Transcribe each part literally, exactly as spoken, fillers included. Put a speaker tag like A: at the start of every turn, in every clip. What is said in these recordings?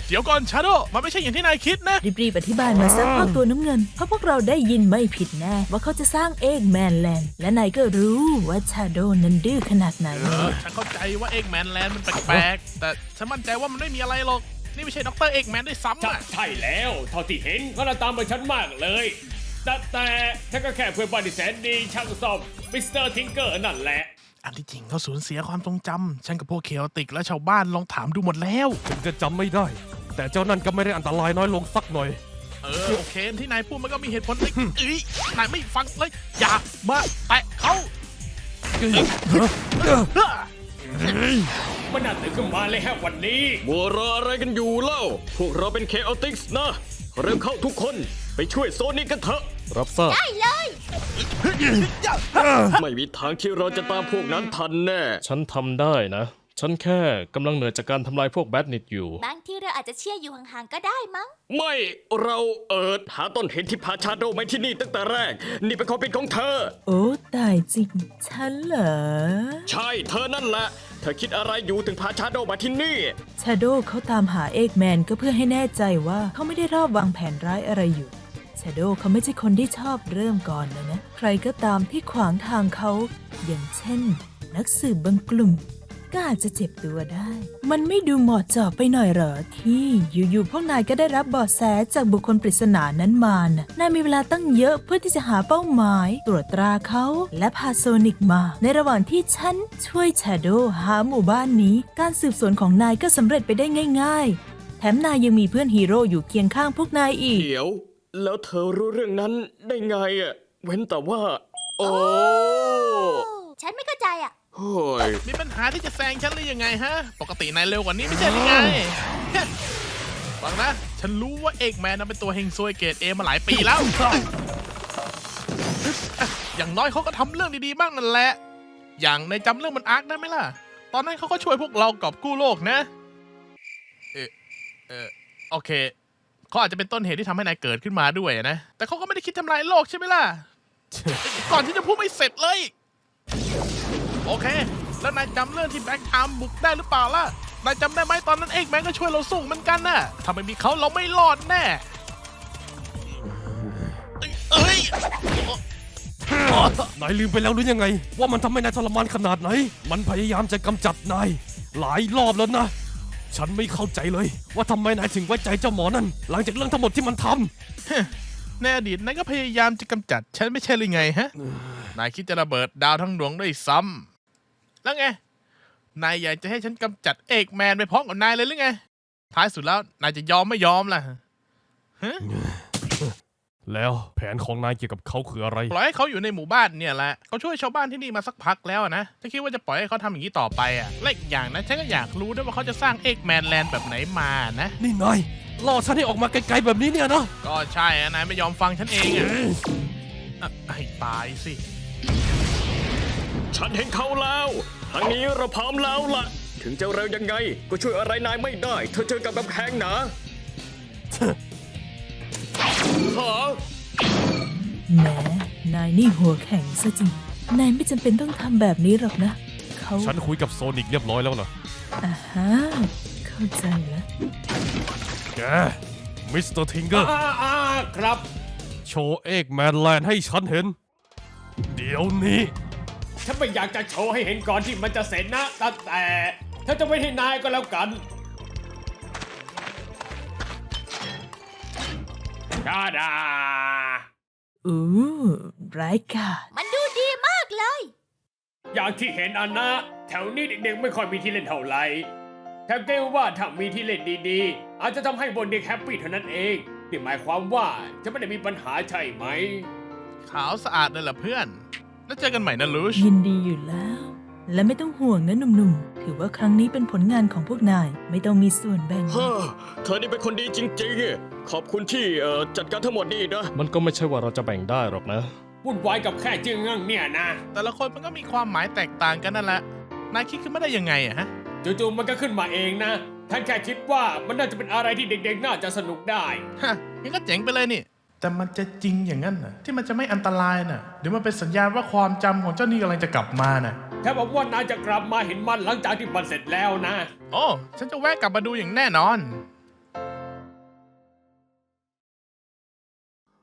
A: เดี๋ยวก่อนชาโดมันไม่ใช่อย่างที่นายคิดนะ
B: รีบๆอธิบายมาซะพวกตัวน้ำเงินเพราะพวกเราได้ยินไม่ผิดแน่ว่าเขาจะสร้างเอ็กแมนแลนด์และนายก็รู้ว่าชาโดนั้นดื้อขนาดไหน
A: เออฉันเข้าใจว่าเอ็กแมนแลนด์มันแปลกๆแต่ฉันมั่นใจว่ามันไม่มีอะไรหรอกนี่ไม่ใช่ด็อกเตอร์เอ็กแมนด้วยซ้ำอะ
C: ใช่แล้วเท่าที่เห็นเขาตามมาฉันมากเลยแต่แต่ฉันก็แค่เพื่อนบ้านที่แสนดีช่างซ่อมมิสเตอร์ทิงเกอร์นั่นแหละ
A: อันที่จริงเขาสูญเสียความทรงจำฉันกับพวกเคโอติกและชาวบ้านลองถามดูหมดแล้ว
D: ถึงจะจำไม่ได้ แต่เจ้านั่นก็ไม่ได้อันตรายน้อยลงสักหน่อย
A: เออโอเคที่นายพูดมันก็มีเหตุผลเอ้ยเอ้ยนายไม่ฟังเลยอย่ามาแตะเขา
C: มันน่าตื่นขึ้นมาเลยฮะวันนี้
E: มัวรออะไรกันอยู่เล่าพวกเราเป็นเคโอติกส์นะเริ่มเข้าทุกคนไปช่วยโซนิกกันเถอะ
D: รับทราบ
F: ได้เลย
E: ไม่มีทางที่เราจะตามพวกนั้นทันแน่
D: ฉันทำได้นะ ฉันแค่กำลังเหนื่อยจากการทำลายพวกแบดนิดอยู่
F: บางทีเราอาจจะเชื่ออยู่ห่างๆก็ได้มั้ง
E: ไม่เราเอิดหาต้นเหตุที่พาชาโดมาที่นี่ตั้งแต่แรก นี่เป็นความผิดของเธอ
B: โอ้ตายจริงฉันเหรอ
E: ใช่เธอนั่นแหละเธอคิดอะไรอยู่ถึงพาชาโดมาที่นี่
B: ชาโดเขาตามหาเอกแมนก็เพื่อให้แน่ใจว่าเขาไม่ได้รอบวางแผนร้ายอะไรอยู่ชาโดเขาไม่ใช่คนที่ชอบเริ่มก่อนนะนะใครก็ตามที่ขวางทางเขาอย่างเช่น นักสืบบางกลุ่มก็อาจจะเจ็บตัวได้ มันไม่ดูเหมาะเจาะไปหน่อยเหรอที่อยู่ๆพวกนายก็ได้รับเบาะแสจากบุคคลปริศนานั้นมานะนายมีเวลาตั้งเยอะเพื่อที่จะหาเป้าหมาย ตรวจตราเขาและพาโซนิกมา ในระหว่างที่ฉันช่วยชาโดหาหมู่บ้านนี้ การสืบสวนของนายก็สำเร็จไปได้ง่ายๆแถมนายยังมีเพื่อนฮีโร่อยู่เคียงข้างพวกนายอีก
E: เดี๋ยว แล้วเธอรู้เรื่องนั้นได้ไงอ่ะเว้นแต่ว่า โอ้
F: ฉันไม่เข้าใจอ่ะ
E: โอ้ย
A: มีปัญหาที่จะแซงฉันหรือยังไงฮะปกตินายเร็วกว่านี้ไม่ใช่หรือไงฟังนะฉันรู้ว่าเอกแมนนั้นเป็นตัวเฮงซวยเกรดเอมาหลายปีแล้วอย่างน้อยเขาก็ทำเรื่องดีๆบ้างนั่นแหละอย่างในจำเรื่องมันอาร์คได้ไหมล่ะตอนนั้นเขาก็ช่วยพวกเรากอบกู้โลกนะเออเออโอเคเขาอาจจะเป็นต้นเหตุที่ทำให้นายเกิดขึ้นมาด้วยนะแต่เขาก็ไม่ได้คิดทำลายโลกใช่ไหมล่ะ ก่อนที่จะพูดไม่เสร็จเลยโอเคแล้วนายจำเรื่องที่แบล็กไทม์บุกได้หรือเปล่าล่ะนายจำได้ไหมตอนนั้นเอกแมนก็ช่วยเราสู้เหมือนกันน่ะถ้าไม่มีเขาเราไม่รอดแน่เอ้ย
D: นายลืมไปแล้วหรือยังไง ว่ามันทำให้นายทรมานขนาดไหน มันพยายามจะกำจัดนายหลายรอบแล้วนะ ฉันไม่เข้าใจเลยว่าทำไมนายถึงไว้ใจเจ้าหมอนั่นหลังจากเรื่องทั้งหมดที่มันทำ
A: ในอดีตนายก็พยายามจะกำจัดฉันไม่ใช่หรือไงฮะนายคิดจะระเบิดดาวทั้งดวงด้วยซ้ำแล้วไงนายอยากจะให้ฉันกำจัดเอกแมนไปพร้อมกับนายเลยหรือไงท้ายสุดแล้วนายจะยอมไม่ยอมล่ะฮะ
D: แล้วแผนของนายเกี่ยวกับเขาคืออะไร
A: ปล่อยให้เขาอยู่ในหมู่บ้านเนี่ยแหละเขาช่วยชาวบ้านที่นี่มาสักพักแล้วนะฉันคิดว่าจะปล่อยให้เขาทำอย่างนี้ต่อไปอ่ะและอีกอย่างนะฉันก็อยากรู้ด้วยว่าเขาจะสร้างเอกแมนแลนด์แบบไหนมานะ
D: นี่นายล่อฉันให้ออกมาไกลๆแบบนี้เนี่ยนะ
A: ก็ใช่อะนายไม่ยอมฟังฉันเองอ่ะอ่ะให้ตายสิ
E: ฉันเห็นเขาแล้วทางนี้เราพร้อมแล้วล่ะ ถึงจะเร็วยังไง ก็ช่วยอะไรนายไม่ได้ เธอเจอกับกำแพงหนาหา
B: แหมนายนี่หัวแข็งซะจริงนายไม่จำเป็นต้องทำแบบนี้หรอกนะเขา
D: ฉันคุยกับโซนิกเรียบร้อยแล้วนะ
B: อ่าฮะเข้าใจแล้ว
D: แกมิสเตอร์ทิงเกอร์
C: อ่าอ่าครับ
D: โชว์เอกแมนแลนด์ให้ฉันเห็น เดี๋ยวนี้
C: ฉันไม่อยากจะโชว์ให้เห็นก่อนที่มันจะเสร็จนะแต่แต่ถ้าจะไม่ให้นายก็แล้วกันดาดา
B: อู้ร้ายกาจ
F: มันดูดีมากเลย
C: อย่างที่เห็นอันนะแถวนี้เด็กๆไม่ค่อยมีที่เล่นเท่าไหร่แถมเกรงว่าถ้ามีที่เล่นดีๆอาจจะทำให้บนเด็กแฮปปี้เท่านั้นเองนี่หมายความว่าจะไม่ได้มีปัญหาใช่ไหม
A: ขาวสะอาดเลยล่ะเพื่อนแล้วเจอกันใหม่นะลูช
B: ยินดีอยู่แล้ว และไม่ต้องห่วงนะหนุ่มๆถือว่าครั้งนี้เป็นผลงานของพวกนายไม่ต้องมีส่วนแบ่ง
E: เฮ้อเธอนี่เป็นคนดีจริงๆ ขอบคุณที่เอ่อจัดการทั้งหมดนี่นะ
D: มันก็ไม่ใช่ว่าเราจะแบ่งได้หรอกนะ
C: วุ่นวายกับแค่จึงงั้งเนี่ยนะ
A: แต่ละคนมันก็มีความหมายแตกต่างกันนั่นแหละนายคิดขึ้นมาได้ยังไงอะฮะ
C: จู่ๆมันก็ขึ้นมาเองนะท่านแค่คิดว่ามันน่าจะเป็นอะไรที่เด็กๆน่าจะสนุกได้
A: ฮะงั้นก็เจ๋งไปเลยนี่แต่มันจะจริงอย่างนั้นน่ะที่มันจะไม่อันตรายน่ะเดี๋ยวมันเป็นสัญญาณว่าความจำของเจ้านี่กำลังจะกลับมาน่ะ
C: ถ้าบอกว่านายจะกลับมาเห็นมันหลังจากที่มันเสร็จแล้วนะ
A: โอ้ฉันจะแวะกลับมาดูอย่างแน่นอน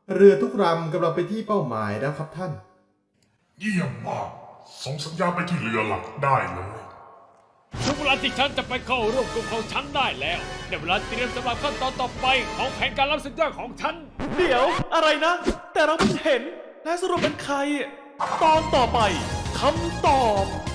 G: เรือทุกลำกำลังไปที่เป้าหมายแล้วครับท่าน
H: เยี่ยมมาก ส่งสัญญาณไปที่เรือหลักได้เลย
C: ถึงเวลาที่ฉันจะไปเข้าร่วมกลุ่มของฉันได้แล้วในเวลาเตรียมสำหรับขั้นตอนต่อไปของแผนการรับสัญญาณของฉัน
I: เดี๋ยวอะไรนะ แต่เราเพิ่งเห็นและสรุปเป็นใคร ตอนต่อไปคำตอบ